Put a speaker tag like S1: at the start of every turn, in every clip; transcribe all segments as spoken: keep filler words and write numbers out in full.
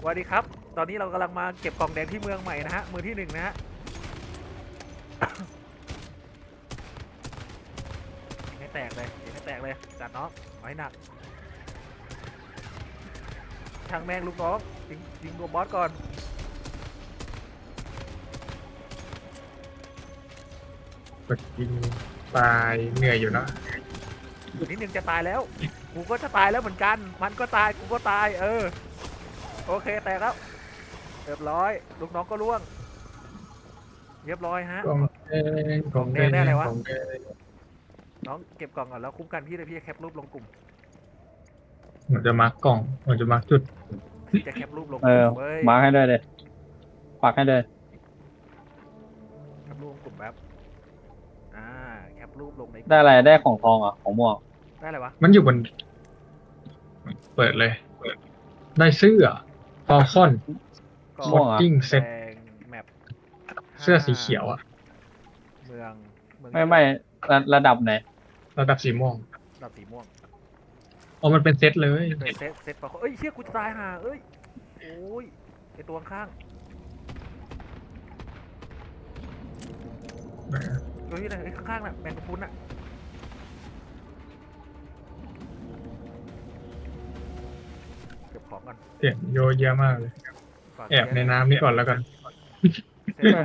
S1: วัสดีครับตอนนี้เรากำลังมาเก็บกล่องแดงที่เมืองใหม่นะฮะมือที่หนึ่งนะฮะให้แตกเลยให้แตกเลยจัดน้องเอาให้หนักช่างแมงลูกน้องยิงยิงตัวบอสก่อน
S2: กดยิงตายเหนื่อยอยู่นะ
S1: นิดนึงจะตายแล้วกูก็จะตายแล้วเหมือนกันมันก็ตายกูก็ตายเออโอเคแตกแล้วเรียบร้อยลูกน้องก็ร่วงเรียบร้อยฮะ
S2: กองแดงกองแดงกองแดง
S1: น้องเก็บกล่องก่อนแล้วคุ้มกันพี่เลยพี่จะแคปรูปลงกลุ่ม
S2: เหมือนจะมาร์กกล่องเหมือนจะมาร์กจุด
S1: พี่จะแคปรูปลง
S3: เออ
S1: กลุ่มเว้ย
S3: มาร์คให้ด้วยเลยปักให้ด้วย
S1: แคปรูปลงกลุ่มแบบอ่าแคปรูปลงใน
S3: ได้อะไรได้ของทองอ่ะของม่วง
S1: ได้อะไรวะ
S2: มันอยู่บนเปิดเลยได้เสื้อฟอลคอน
S1: ก็
S2: ฟอตติ้งเซ็ต
S1: แดงแมป
S2: เสื้อสีเขียวอะ
S1: เมืองเมือง
S3: ไม่ไม่ระระดับไหน
S2: ระดับสีม่วง
S1: ดับสีม่วง
S2: อ๋อมันเป็นเซตเลย
S1: เลยเซตเซตปะเอ้ยเชี่ยกูจะตายห่าเอ้ยโอ้ยไอตัวข้างเฮ้ยนะไอข้างๆน่ะแมงกะพรุนน่ะเก็บของก่อน
S2: เสียงโยเยอะมากเลย
S1: ฝาก
S2: แอบในน้ำนี่ก่อนแล้วกัน
S1: เซตใหม่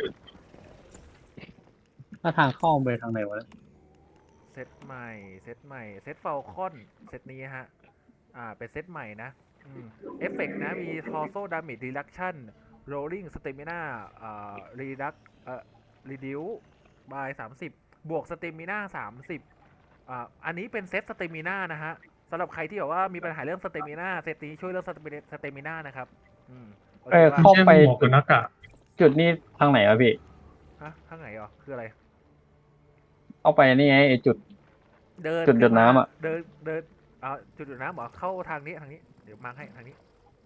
S3: ถ้าทางเข้าไปทางไหนวะ
S1: เซตใหม่เซตใหม่เซตเฟลคอนเซตนี้ฮะอ่าเป็นเซตใหม่นะอืมเอฟเฟกต์นะมี torso damage reduction rolling stamina อ่า reduct เอ่อ reduce by สามสิบบวก stamina สามสิบอ่าอันนี้เป็นเซต stamina นะฮะสำหรับใครที่แบบว่ามีปัญหาเรื่อง stamina เซตนี้ช่วยเรื่อง stamina นะครับอืมโอเค
S3: เออ
S1: ว่า
S3: เข้าไป
S2: หมวกกับหน้ากาก
S3: จุดนี้ทางไหนวะพี่
S1: ฮะข้างไหนอ่ะคืออะไร
S3: เข้าไปนี่ไงไอจุด
S1: เดิน
S3: จุด
S1: ขึ้
S3: ดูดน้ำอะ
S1: เดินเดินอ่าจุดดูดน้ำเหรอเข้าทางนี้ทางนี้เดี๋ยวมาร์คให้ทางนี้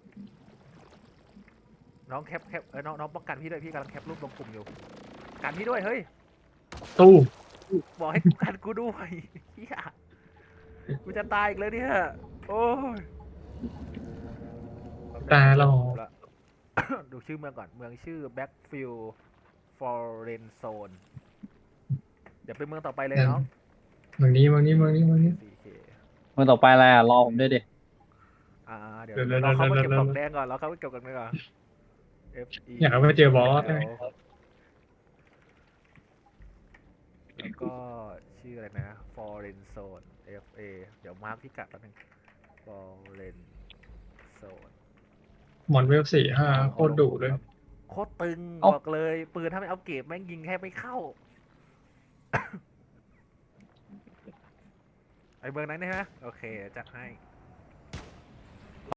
S1: น้องแคปแคปเออน้องน้องป้องกันพี่ด้วยพี่กำลังแคปรูปลงกลุ่มอยู่กันพี่ด้วยเฮ้ย
S2: ตู้
S1: บอกให้กันกูด้วยเฮียกูจะตายอีกเลยเนี่ยโอ้ย
S2: ตายแล้ว
S1: ละ ดูชื่อเมืองก่อนเมืองชื่อ Backfield Foreign Zone เดี๋ยวไปเมืองต่อไปเลยน้อง
S2: เมืองนี้เมืองนี้เมืองนี้เมืองนี้
S1: สี่เค
S3: เมื่อต่อไปอะไรอ่ะรอผมด้วยดิ
S1: อ่าเดี๋ยว
S2: เดี๋ยว
S1: เราเข้ามาเก็บ
S2: เดี๋ยว
S1: กล่องแดงก่อนเราเข้ามาเก็บกล่องแดงก่อน F E
S2: อยากเอาไปเจอบอส
S1: แล้วแล้วก็ชื่ออะไรนะ Foreign Zone F A เดี๋ยวมาร์คพิกัดแป๊บนึง Foreign Zone
S2: มอนเวลสี่ห้าโคตรดุเลย
S1: โคตรตึงบอกเลย ปืนถ้าไม่เอาเก็บแม่งยิงแทบไม่เข้า ไอเมืองนั้นใช่ไหมโอเคจัดให้